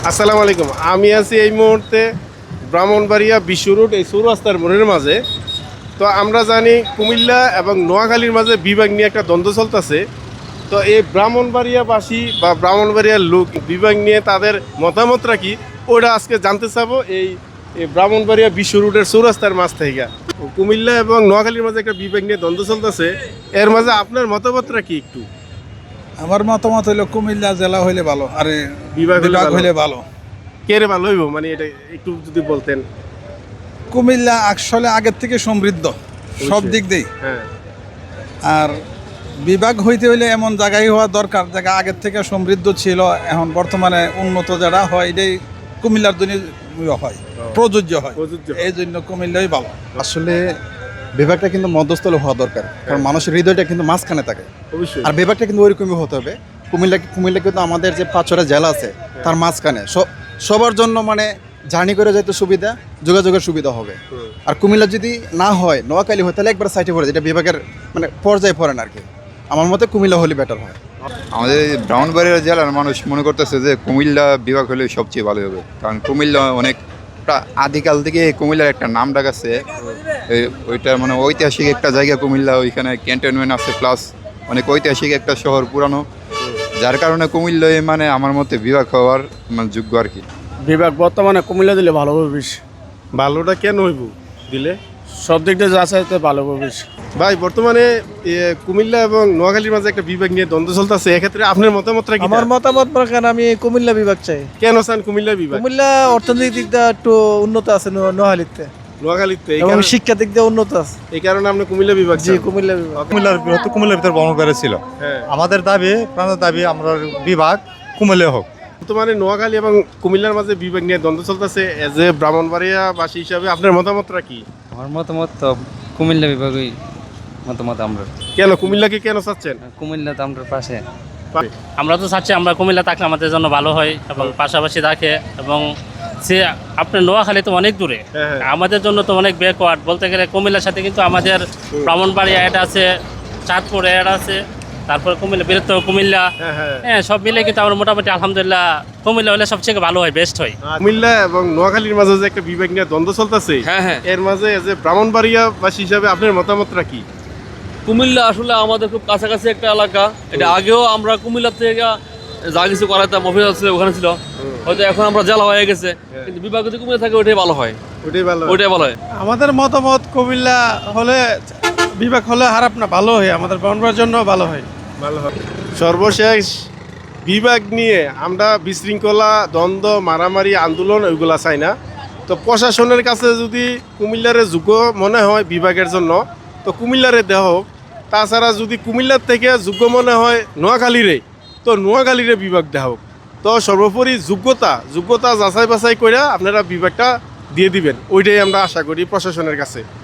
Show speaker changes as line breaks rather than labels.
আসসালামু আলাইকুম। আমি আছি এই মুহূর্তে ব্রাহ্মণবাড়িয়া বিশ্ব রোড এই চৌরাস্তার মোড়ের মাঝে। তো আমরা জানি কুমিল্লা এবং নোয়াখালীর মাঝে বিভাগ নিয়ে একটা দ্বন্দ্ব চলতেছে। তো এই ব্রাহ্মণবাড়িয়াবাসী বা ব্রাহ্মণবাড়িয়ার লোক বিভাগ নিয়ে তাদের মতামত রাখি, ওটা আজকে জানতে চাবো এই এই ব্রাহ্মণবাড়িয়া বিশ্ব রোডের চৌরাস্তার মাঝ থেকে। কুমিল্লা এবং নোয়াখালীর মাঝে একটা বিভাগ নিয়ে দ্বন্দ্ব চলতেছে, এর মাঝে আপনার মতামতটা কি একটু?
আমার মতামত হইলো কুমিল্লা জেলা হইলে ভালো, আর
বিভাগ
হইলে ভালো।
কে রে ভালো হইব, মানে এটা একটু যদি বলতেন।
কুমিল্লা আসলে আগের থেকে সমৃদ্ধ সব দিক দিয়েই,
হ্যাঁ,
আর বিভাগ হইতে হইলে এমন জায়গায় হওয়া দরকার জায়গা আগের থেকে সমৃদ্ধ ছিল, এখন বর্তমানে উন্নত যারা হয় এটাই কুমিল্লার জন্য হয়, প্রযোজ্য হয়। এই জন্য কুমিল্লাই ভালো।
আসলে বিভাগটা কিন্তু মধ্যস্থলে হওয়া দরকার, কারণ মানুষের হৃদয়টা কিন্তু মাঝখানে থাকে।
অবশ্যই।
আর বিভাগটা কিন্তু ওইরকমই হতে হবে। কুমিল্লা কিন্তু আমাদের যে 5-6টা জেলা আছে তার মাঝখানে সবার জন্য মানে জার্নি করে যেতে সুবিধা, যোগাযোগের সুবিধা হবে। আর কুমিল্লা যদি না হয়, নোয়াখালী হয়, তাহলে একবার সাইডে পড়ে, যেটা বিভাগের মানে পর্যায়ে পড়েন আর কি। আমার মতে কুমিল্লা হলে বেটার হয়।
আমাদের ব্রাহ্মণবাড়িয়া জেলার মানুষ মনে করতেছে যে কুমিল্লা বিভাগ হলে সবচেয়ে ভালো হবে, কারণ কুমিল্লা অনেকটা আদিকাল থেকে কুমিল্লার একটা নাম ডাক আছে। ওইটা মানে ঐতিহাসিক একটা জায়গা কুমিল্লা, ওইখানে ক্যান্টনমেন্ট আছে, প্লাস অনেক ঐতিহাসিক একটা শহর পুরানো, যার কারণে কুমিল্লায় মানে আমার মতে বিভাগ হওয়ার মানে যোগ্য আর কি।
বিভাগ বর্তমানে কুমিল্লা দিলে ভালো হবে বেশি।
ভালোটা কেন হইব দিলে?
সব দিক দিয়ে যা চাইতে ভালো হবে বেশি।
ভাই, বর্তমানে কুমিল্লা এবং নোয়াখালীর মাঝে একটা বিভাগ নিয়ে দ্বন্দ্ব চলতেছে, এক্ষেত্রে আপনার মতামতটা কি?
আমার মতামত প্রকার আমি কুমিল্লা বিভাগ চাই।
কেন চান কুমিল্লা বিভাগ?
কুমিল্লা অর্থনৈতিক দিক দিয়ে একটু উন্নত আছে নোয়াখালীতে,
নোয়াখালীতে
এবং শিক্ষা দিক দিয়ে উন্নত আছে।
এই কারণে আপনি কুমিল্লা বিভাগ
জি,
চান?
কুমিল্লা বিভাগ।
কুমিল্লার ভিতরে ব্রাহ্মণবাড়িয়া ছিল।
হ্যাঁ।
আমাদের দাবি, প্রাণের দাবি, আমরা বিভাগ কুমিল্লা হোক।
বর্তমানে নোয়াখালী এবং কুমিল্লার মাঝে বিভাগ নিয়ে দ্বন্দ্ব চলতেছে, এজ এ ব্রাহ্মণবাড়িয়াবাসী হিসাবে আপনার মতামতটা কি?
আমার মতামত তো কুমিল্লা বিভাগই মতামত। আমরা
কেন কুমিল্লাকে কেন চাচ্ছেন?
কুমিল্লা তো আমরা পাশে।
আমরা তো চাচ্ছি আমরা কুমিল্লা থাকলে আমাদের জন্য ভালো হয় এবং পাশাপাশি থাকে, এবং সে আপনার নোয়াখালী তো অনেক দূরে,
হ্যাঁ।
আমাদের জন্য তো অনেক ব্যাকওয়ার্ড বলতে গেলে। কুমিল্লার সাথে কিন্তু আমাদের ব্রাহ্মণবাড়িয়া এটা আছে, চাঁদপুর এটা আছে, তারপর কুমিল্লা, বৃহত্তর কুমিল্লা, হ্যাঁ, সব মিলে কিন্তু আমরা মোটামুটি আলহামদুলিল্লাহ কুমিল্লা হলে সবচেয়ে ভালো হয়, বেস্ট হয়।
কুমিল্লা এবং নোয়াখালীর মাঝে যে একটা বিভাগ নিয়ে দ্বন্দ্ব চলতেছে,
হ্যাঁ।
এর মাঝে এজ এ ব্রাহ্মণবাড়িয়াবাসী হিসাবে আপনার মতামতটা কি?
কুমিল্লা আসলে আমাদের খুব কাছাকাছি একটা এলাকা। এটা আগেও আমরা কুমিল্লা থেকে যা কিছু করাতাম, অফিস ছিল ওখানে ছিল, হয়তো এখন আমরা জেলা হয়ে গেছে, কিন্তু বিভাগ যদি কুমিল্লা থাকে ওইটাই ভালো হয়, ওইটাই ভালো হয়।
আমাদের মতামত কুমিল্লা হলে, বিভাগ হলে খারাপ না, ভালো হয়, আমাদের ব্রাহ্মণবাড়িয়ার জন্য ভালো হয়।
সর্বশেষ বিভাগ নিয়ে আমরা বিশৃঙ্খলা, দ্বন্দ্ব, মারামারি, আন্দোলন ওইগুলা চাই না। তো প্রশাসনের কাছে যদি কুমিল্লারে যোগ্য মনে হয় বিভাগের জন্য, তো কুমিল্লারে দেওয়া হোক। তাছাড়া যদি কুমিল্লার থেকে যোগ্য মনে হয় নোয়াখালীরে, তো নোয়াখালীরে বিভাগ দেওয়া হোক। তো সর্বোপরি যোগ্যতা যাচাই বাছাই করে আপনারা বিভাগটা দিয়ে দিবেন, ওইটাই আমরা আশা করি প্রশাসনের কাছে।